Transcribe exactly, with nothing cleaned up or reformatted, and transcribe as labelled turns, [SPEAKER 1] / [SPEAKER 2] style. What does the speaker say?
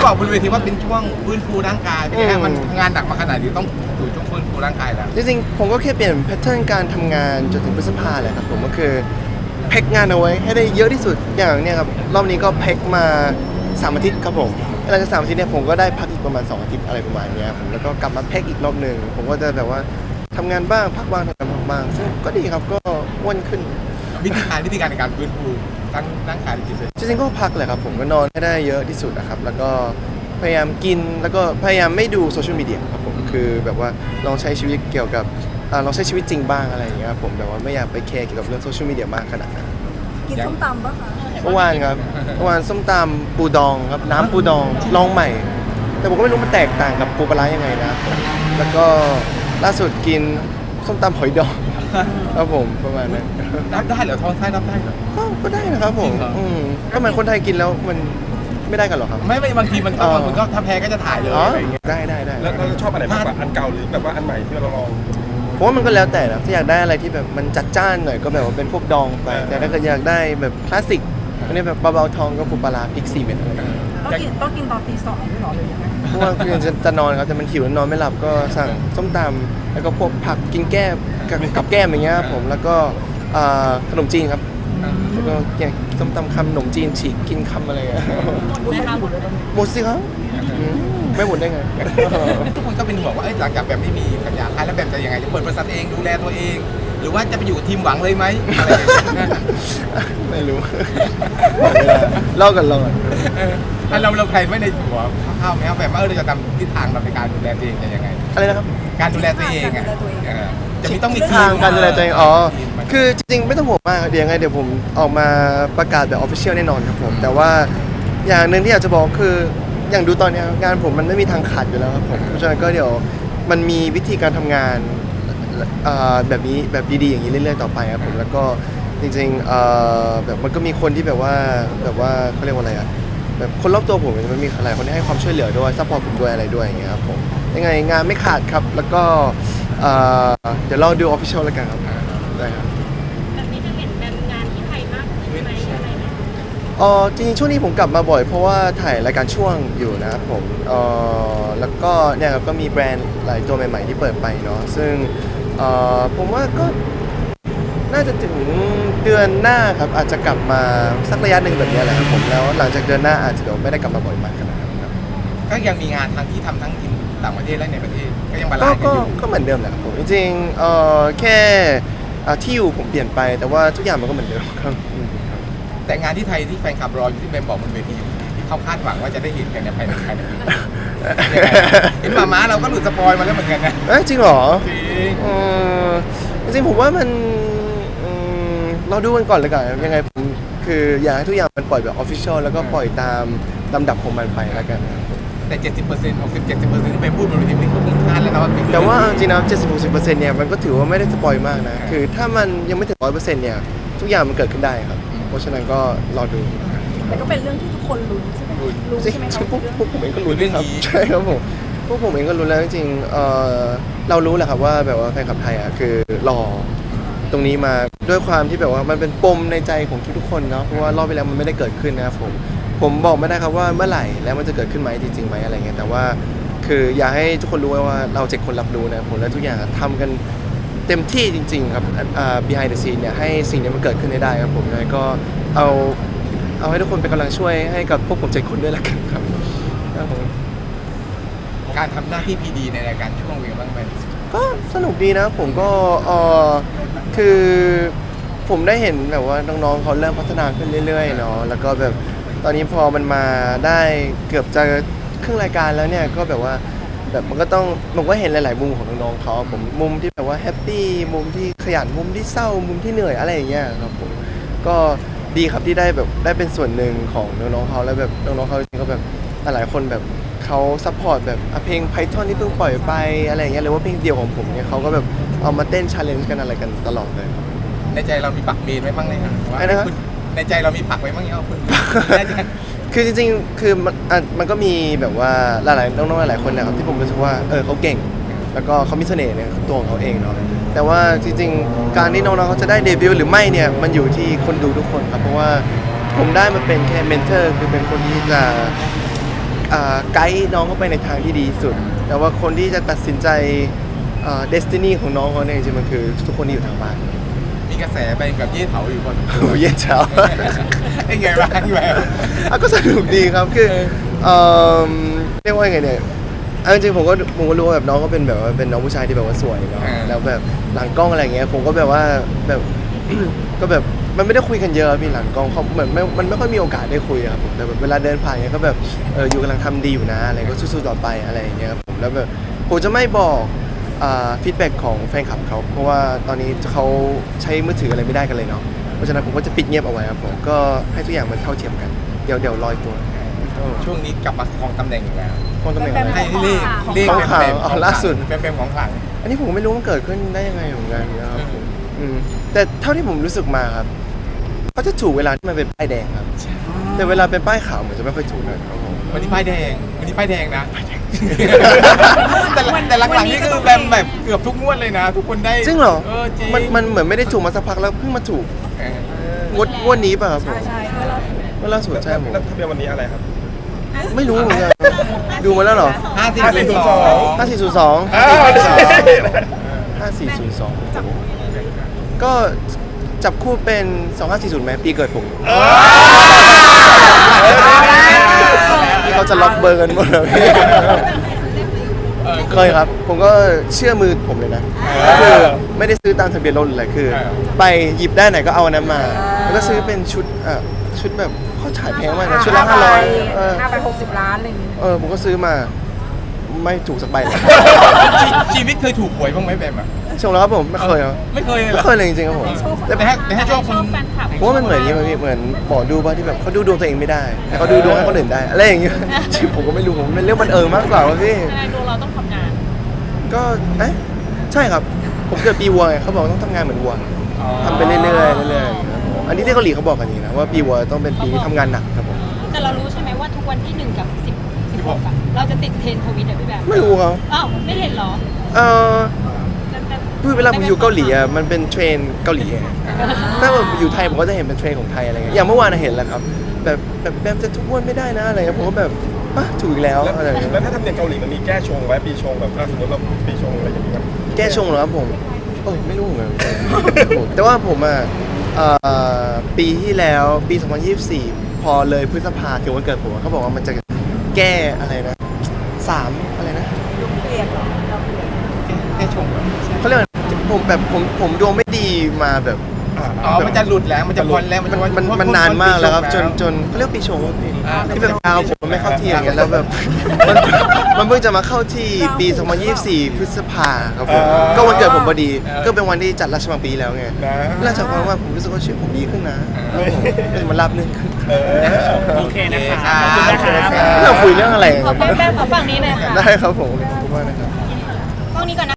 [SPEAKER 1] บอกบนเวทีว่าเป็นช่วงฟื้นฟูร่างกายเป็นไงฮะมันงานหนักมาขนาดนี้ต้องอยู่ช่วงฟื้นฟูร่างกายแล้ว
[SPEAKER 2] จริงๆผมก็แค่เปลี่ยนแพทเทิร์นการทำงานจนถึงพฤษภาเลยครับผมก็คือแพ็กงานเอาไว้ให้ได้เยอะที่สุดอย่างเนี้ยครับรอบนี้ก็แพ็กมาสามอาทิตย์ครับผมหลังจากสามอาทิตย์เนี่ยผมก็ได้พักอีกประมาณสองอาทิตย์อะไรประมาณนี้ผมแล้วก็กลับมาแพ็กอีกรอบหนึ่งผมก็จะแบบว่าทำงานบ้างพักบ้างทำงานบ้างซึ่งก็ดีครับก็อ้วนขึ้น
[SPEAKER 1] วิธีการวิธีการในการฟื้นฟูทั้งร่างกายและจิตใจ
[SPEAKER 2] จริงๆก็พักแหละครับผมก็นอนให้ได้เยอะที่สุดนะครับแล้วก็พยายามกินแล้วก็พยายามไม่ดูโซเชียลมีเดียครับผมคือแบบว่าลองใช้ชีวิตเกี่ยวกับลองใช้ชีวิตจริงบ้างอะไรอย่างเงี้ยครับผมแบบว่าไม่อยากไปแคร์เกี่ยวกับเรื่องโซเชียลมีเดียมากขนาดนั้น
[SPEAKER 3] กินส้มตำปะคะ
[SPEAKER 2] เมื่อวานครับเมื่อวานส้มตำปูดองครับน้ำปูดองลองใหม่ แต่ผมก็ไม่รู้มันแตกต่างกับปูปลาร้ายังไงนะแล้วก็ล่าสุดกินส้มตำหอยดองครับผมประมาณนั้น
[SPEAKER 1] รับได้เหรอท้องไส้รับได้เหรอ
[SPEAKER 2] ก็ได้นะครับผมก็เหมือนคนไทยกินแล้วมันไม่ได้กันหรอครับ
[SPEAKER 1] ไม่ไม่บางทีมันบางคนก็ถ้าแพ้ก็จะถ่ายเลยอะไรอย่างเงี้ย
[SPEAKER 2] ได้ได้ได้
[SPEAKER 4] แล้วเราชอบอะไรมากกว่าอันเก่าหรือแบบว่าอันใหม่ที่เราลอง
[SPEAKER 2] ผมว่ามันก็แล้วแต่นะถ้าอยากได้อะไรที่แบบมันจัดจ้านหน่อยก็แบบว่าเป็นพวกดองไปแต่ถ้าเกิดอยากได้แบบคลาสสิกอันนี้แบบเบาๆทองก็ปูปลาร้าพริกสี่เม็ด
[SPEAKER 3] ต้องกินต้องกินตอนตีสองไม่หรอเลยยังไง
[SPEAKER 2] เพราะว่าคือจะจะนอนครับแต่มันหิวแล้วนอนไม่หลับก็สั่งส้มตำแล้วก็พวกผักกินแก้มกับแก้มอย่างเงี้ยผมแล้วก็ขนมจีนครับแล้วก็อย่างส้มตำคำขนมจีนฉีกกินคำอะไรอ่ะหมดสิครับไม่หมดได้ไง
[SPEAKER 1] ทุกคนก็เป็นห่วงว่าหลังจากแบบไม่มีสัญญาค่ายแล้วแบบจะยังไงจะเปิดบริษัทเองดูแลตัวเองหรือว่าจะไปอยู่ทีมหวังเลยไหมอะไรอย่างเงี้ย
[SPEAKER 2] ไม่รู้เล่ากันเล่ากัน
[SPEAKER 1] เราเราใครไม่ในหัวข้าวแม้แบบว่าเราจะทำทิศทางเราในการดูแลตัวเองยังไง
[SPEAKER 2] อะไรนะครับ
[SPEAKER 1] การดูแลตัวเองจะมีต้องมี
[SPEAKER 2] ทางการดูแลตัวเองอ๋อคือจริงๆไม่ต้องห่วงมากเดี๋ยวยังไงเดี๋ยวผมออกมาประกาศแบบออฟฟิเชียลแน่นอนครับผมแต่ว่าอย่างหนึ่งที่อยากจะบอกคืออย่างดูตอนนี้งานผมมันไม่มีทางขาดอยู่แล้วครับผมเพราะฉะนั้นก็เดี๋ยวมันมีวิธีการทำงานแบบนี้แบบดีๆอย่างนี้เรื่อยๆต่อไปครับผมแล้วก็จริงๆแบบมันก็มีคนที่แบบว่าแบบว่าเขาเรียกว่าอะไรอะแบบคนรอบตัวผมมันมีหลายคนที่ให้ความช่วยเหลือด้วยซัพพอร์ตผมด้วยอะไรด้วยอย่างเงี้ยครับผมยังไงงานไม่ขาดครับแล้วก็เดี๋ยวเราดูออฟฟิเชียลแล้วกันครับได้ครับ
[SPEAKER 5] แบบนี้จะเห็นแบบงานที่ไทยมากขึ้นไหมอะไรไหม
[SPEAKER 2] อ๋อจริงๆช่วงนี้ผมกลับมาบ่อยเพราะว่าถ่ายรายการช่วงอยู่นะครับผมเอ่อแล้วก็เนี่ยครับก็มีแบรนด์หลายตัวใหม่ๆที่เปิดไปเนาะซึ่งเอ่อผมว่าก็น่าจะถึงเดือนหน้าครับอาจจะกลับมาสักระยะหนึ่งแบบนี้แหละครับผมแล้วหลังจากเดือนหน้าอาจจะเดี๋ยวไม่ได้กลับมาบ่อยมากขนาดนั้นครับ
[SPEAKER 1] ก็ยังมีงานทางที่ทำทั้งที่ต่างประเทศและในประเทศก็ยังบาลานซ์กันอยู่
[SPEAKER 2] ก็เหมือนเดิมแหละครับผมจริงๆเอ่อแค่ที่อยู่ผมเปลี่ยนไปแต่ว่าทุกอย่างมันก็เหมือนเดิมครับ
[SPEAKER 1] แต่งานที่ไทยที่แฟนคลับรออยู่ที่เบมบอกบนเวทีที่เขาคาดหวังว่าจะได้เห็นกันในภายในภายในปีเห็นมาม้าเราก็หลุดสปอยมาแล้วเหมือนกันนะ
[SPEAKER 2] เอ้ยจริงเหรอ
[SPEAKER 1] จริง
[SPEAKER 2] จริงผมว่ามันเราดูกันก่อนเลยกันยังไงผมคืออยากให้ทุกอย่างมันปล่อยแบบออฟฟิเชียลแล้วก็ปล่อยตามลำดับของมันไปแล้วกัน
[SPEAKER 1] แต่ เจ็ดสิบเปอร์เซ็นต์ หกสิบ เจ็ดสิบเปอร์เซ็นต์ ที่ไปพูดบนเวทีมันก็คาดแล้วนะว่า
[SPEAKER 2] แต่ว่าจริงๆนะเจ็ดสิบ หกสิบเปอร์เซ็นต์เนี่ยมันก็ถือว่าไม่ได้สปอยมากนะคือถ้ามันยังไม่ถึง ร้อยเปอร์เซ็นต์ เนี่ยทุกอย่างมันเกิดขึ้นได้ครับเพราะฉะนั้นก็รอดู
[SPEAKER 3] แต่ก็เป็นเรื่องที่ทุกคนลุ้นใช่ไหมลุ้นใช่ไหมครับ
[SPEAKER 2] พวกพวกผมเองก็ลุ้นครับใช่ครับผมพวกผมเองก็ลุ้นแล้วจริงๆเออเรารู้แหละครับว่าแบบว่าแฟนคลับไทยอ่ะคือรอตรงนี้มาด้วยความที่แบบว่ามันเป็นปมในใจของทุกๆคนเนาะเพราะว่ารอบไปแล้วมันไม่ได้เกิดขึ้นนะครับผมผมบอกไม่ได้ครับว่าเมื่อไหร่แล้วมันจะเกิดขึ้นไหมจริงๆไหมอะไรเงี้ยแต่ว่าคืออยากให้ทุกคนรู้ว่าเราเจ็ดคนรับรู้นะผมและทุกอย่างทำกันเต็มที่จริงๆครับ behind the scene เนี่ยให้สิ่งนี้มันเกิดขึ้นได้ครับผมเลยก็เอาเอาให้ทุกคนเป็นกำลังช่วยให้กับพวกผมเจ็ดคนด้วยละกันครับ
[SPEAKER 1] การทำหน้าที่พีดีในรายการช่วงเวลาบ้างไหม
[SPEAKER 2] ก็สนุกดีนะผมก็เออคือผมได้เห็นแบบว่าน้องๆเขาเริ่มพัฒนาขึ้นเรื่อยๆเนาะแล้วก็แบบตอนนี้พอมันมาได้เกือบจะครึ่งรายการแล้วเนี่ยก็แบบว่าแบบมันก็ต้องมันก็เห็นหลายๆมุมของน้องๆเขาผมมุมที่แบบว่าแฮปปี้มุมที่ขยันมุมที่เศร้ามุมที่เหนื่อยอะไรอย่างเงี้ยครับผมก็ดีครับที่ได้แบบได้เป็นส่วนหนึ่งของน้องๆเขาแล้วแบบน้องๆเขาจริงๆก็แบบหลายๆคนแบบเขาซัพพอร์ตแบบเพลง Python ที่เพิ่งปล่อยไปอะไรอย่างเงี้ยหรือว่าเพลงเดี่ยวของผมเนี่ยเขาก็แบบเอามาเต้น challenge กันอะไรกันตลอดเลย
[SPEAKER 1] ในใจเรามีปักเมนไว้บ้างไหมครับว่าในใจเรามีปักไว้บ้างยังคุณ
[SPEAKER 2] คือจริงๆคือมันมันก็มีแบบว่าหลายๆน้องๆหลายๆคนนะครับที่ผมรู้สึกว่าเออเขาเก่งแล้วก็เขามีเสน่ห์ในตัวของเขาเองเนาะแต่ว่าจริงๆการที่น้องๆเขาจะได้เดบิวต์หรือไม่เนี่ยมันอยู่ที่คนดูทุกคนครับเพราะว่าผมได้มาเป็นแค่เมนเทอร์คือเป็นคนที่จะอ่าไกด์น้องเขาไปในทางที่ดีที่สุด แต่ว่าคนที่จะตัดสินใจเดสตินีของน้องเขาเนี่ยจริงๆมันคือทุกคนที่อยู่ทางบ้าน
[SPEAKER 1] มีกระแสไปกับเย่เถาอยู่คน
[SPEAKER 2] โอ้ยเย็นเช้า
[SPEAKER 1] ไอ้ไงบ้างแบบ
[SPEAKER 2] อ่ะก็สนุกดีครับคือเอ่อเรียกว่าไงเนี่ยเอาจริงๆผมก็ผมก็รู้ว่าแบบน้องก็เป็นแบบว่าเป็นน้องผู้ชายที่แบบว่าสวยเนาะแล้วแบบหลังกล้องอะไรเงี้ยผมก็แบบว่าแบบ ก็แบบมันไม่ได้คุยกันเยอะพี่หลังกล้องเขาเหมือนไม่มันไม่ค่อยมีโอกาสได้คุยอะครับผมแต่แบบเวลาเดินผ่านเงี้ยก็แบบเอออยู่กำลังทำดีอยู่นะอะไรก็สู้ๆต่อไปอะไรอย่างเงี้ยครับผมแล้วแบบผมจะไม่บอกฟีดแบ็กของแฟนคลับเขาเพราะว่าตอนนี้เขาใช้มือถืออะไรไม่ได้กันเลยเนาะเพราะฉะนั้นผมก็จะปิดเงียบเอาไว้ครับผมก็ให้ทุกอย่างมันเท่าเทียมกันเดี๋ยวเดี๋ยวลอยตัว
[SPEAKER 1] ช่วงนี้กลับมาครองตำแหน่งอีกแล้ว
[SPEAKER 2] คนตำแหน่งอะไร
[SPEAKER 1] ให้เรียกเรียก
[SPEAKER 2] ของขลัง
[SPEAKER 1] เป็น
[SPEAKER 2] อ๋อล่าสุด
[SPEAKER 1] เป็นเป็นของขลัง
[SPEAKER 2] อันนี้ผมไม่รู้มันเกิดขึ้นได้ยังไงเหมือนกันนะครับผมอืมแต่เท่าที่ผมรู้สึกมาครับเขาจะถูกเวลาที่มันเป็นป้ายแดงครับแต่เวลาเป็นป้ายขาวเหมือนจะไม่ค่อยถูกเลยครับผม
[SPEAKER 1] วันนี้ป้ายแดงวันนี้ป้ายแดงนะ แต่ละแต่หลังๆนี่คือแบมแบบเกือบทุกงวดเลยนะ ทุกคนได้
[SPEAKER 2] จริงเหรอ
[SPEAKER 1] เออจริง
[SPEAKER 2] มันมันเหมือนไม่ได้ถูกมาสักพักแล้วเพิ่งมาถูก
[SPEAKER 1] เออง
[SPEAKER 2] วดงวดนี้ป่ะครับผม
[SPEAKER 3] ใช่เมื่อเรา
[SPEAKER 2] เมื่อล่าสุดใช่ผม
[SPEAKER 4] แล้วทะเบียนวันนี้อะไรครับ
[SPEAKER 2] ไม่รู้เหมือนกันดูมาแล้วเหรอ
[SPEAKER 1] ห้าสี่
[SPEAKER 4] ห้าสี่
[SPEAKER 1] ศูนย์
[SPEAKER 4] ศูนย์
[SPEAKER 1] ส
[SPEAKER 4] ส
[SPEAKER 1] อ
[SPEAKER 4] อง ง
[SPEAKER 2] ห้าสี่ศูนย์สอง
[SPEAKER 4] อ้าวใช่
[SPEAKER 2] ห้าสี่ศูนย์สองก็จับคู่เป็นสองห้าสี่ศูนย์ไหมปีเกิดผมที่เขาจะล็อกเบอร์กันหมดเลยพี่ เคยครับ ผมก็เชื่อมือผมเลยนะคือไม่ได้ซื้อตามทะเบียนรถหรืออะไรคือ ไปหยิบได้ไหนก็เอาอันนั้นมา แล้วก็ซื้อเป็นชุดอ่ะชุดแบบเขาขายแพงมากนะชุดละห้าร้อยเออ
[SPEAKER 3] ห้าไปหกสิบล้านอะไรอย่างงี้
[SPEAKER 2] เออผมก็ซื้อมาไม่ถูกสักใบเลย
[SPEAKER 1] ชีวิตเคยถูกหวยบ้างไหมแบมอ่ะ
[SPEAKER 2] ชงแล้วครับผมไม่เคยครับ
[SPEAKER 1] ไม่เคยเลยเหร
[SPEAKER 2] ไม่
[SPEAKER 1] อ
[SPEAKER 2] เคยเลยจริงๆครับผม
[SPEAKER 1] แต่ไปให้ไปให้โชคคน
[SPEAKER 5] แฟนคลับ
[SPEAKER 2] ผมว่ามันเหมือนอย่างนี้มั้ยพี่เหมือนหมอดูบ้าที่แบบเขาดูดวงตัวเองไม่ได้แต่เขาดูดวงให้คนอื่นได้อะไรอย่างเงี้ยที่ผมก็ไม่รู้ผมเป็นเรื่องบังเอิญมากกว่าว่าพี่
[SPEAKER 5] ยังไงดวงเราต้องทำงาน
[SPEAKER 2] ก็เอ๊ะใช่ครับ ผมเกิดปีวัวไงเขาบอกต้องทำงานเหมือนวัวทำไปเรื่อยๆเรื่อยๆอย่างเงี้ยครับผมอันนี้ที่เกาหลีเขาบอกกันอย่างนี้นะว่าปีวัวต้องเป็นปีที่ทำงานหนักครับผม
[SPEAKER 5] แต่เรารู้ใช่ไหมว่าทุกวันที่หนึ่งกับสิบสิบหกอะเราจะติดเทรนด์ทวิตอะพี่แบบ
[SPEAKER 2] ไม่รู้เขา
[SPEAKER 5] อ้าวไม่เห็นเหรอ
[SPEAKER 2] เออ
[SPEAKER 5] แต่แต่
[SPEAKER 2] พูดเวลาผมอยู่เกาหลีอ่ะมันเป็นเทรนเกาหลีไงถ้าผมอยู่ไทยผมก็จะเห็นเป็นเทรนของไทยอะไรเงี้ยอย่างเมื่อวานน่ะเห็นแล้วครับแบบแบบแบบจะทุกวันไม่ได้นะอะไรเงี้ยผมก็แบบอ่ะถูกอีกแล้ว
[SPEAKER 4] แล้ว
[SPEAKER 2] อะไรเงี้ย
[SPEAKER 4] แล้วถ้าทำเนียมเกาหลีมันมีแก้ชงไว้ปีชงแบบถ้าสมมติเราปีชงอะไรอย่างเงี้ย
[SPEAKER 2] แก้ชงเหรอครับผมโอ้ยไม่รู้เหมือนกันแต่ว่าผมอ่ะเอ่อปีที่แล้วปีสองพันยี่สิบสี่พอเลยพฤษภาถึงวันเกิดผมอะเขาบอกว่ามันจะแก้อะไรนะสามอะไรนะ
[SPEAKER 3] เปลี่ยนเหรอเราเปลี่ยน
[SPEAKER 1] ได้ชมเหรอ
[SPEAKER 2] เขาเรียกว่าผมแบบผมผมดวงไม่ดีมาแบบ
[SPEAKER 1] อ๋อมันจะหลุดแล้วมันจะพ้นแล้วมันจะ
[SPEAKER 2] มันมันมันนานมากแล้วครับจนจนเขาเรียกว่าปีชงว่าพี่
[SPEAKER 1] อ่า
[SPEAKER 2] ที่แบบดาวผมมันไม่เข้าที่อย่างเงี้ยแล้วแบบมันมันเพิ่งจะมาเข้าที่ปีสองพันยี่สิบสี่พฤษภาครับผมก็วันเกิดผมพอดีก็เป็นวันที่จัดราชมังปีแล้วไง
[SPEAKER 4] นะ
[SPEAKER 2] หลังจากนั้นว่าผมรู้สึกว่าชีวิตผมดีขึ้นนะเป็นมันรับเรื่องขึ้น
[SPEAKER 4] เออ
[SPEAKER 1] โอเคนะคะขอบคุณนะคะ
[SPEAKER 2] เราคุยเรื่องอะไร
[SPEAKER 5] ขอแป๊บๆขอฝั่งนี้หน่อยค่ะ
[SPEAKER 2] ได้ครับผมขอบคุณมากนะครับ
[SPEAKER 5] กล้องนี้ก่อนนะ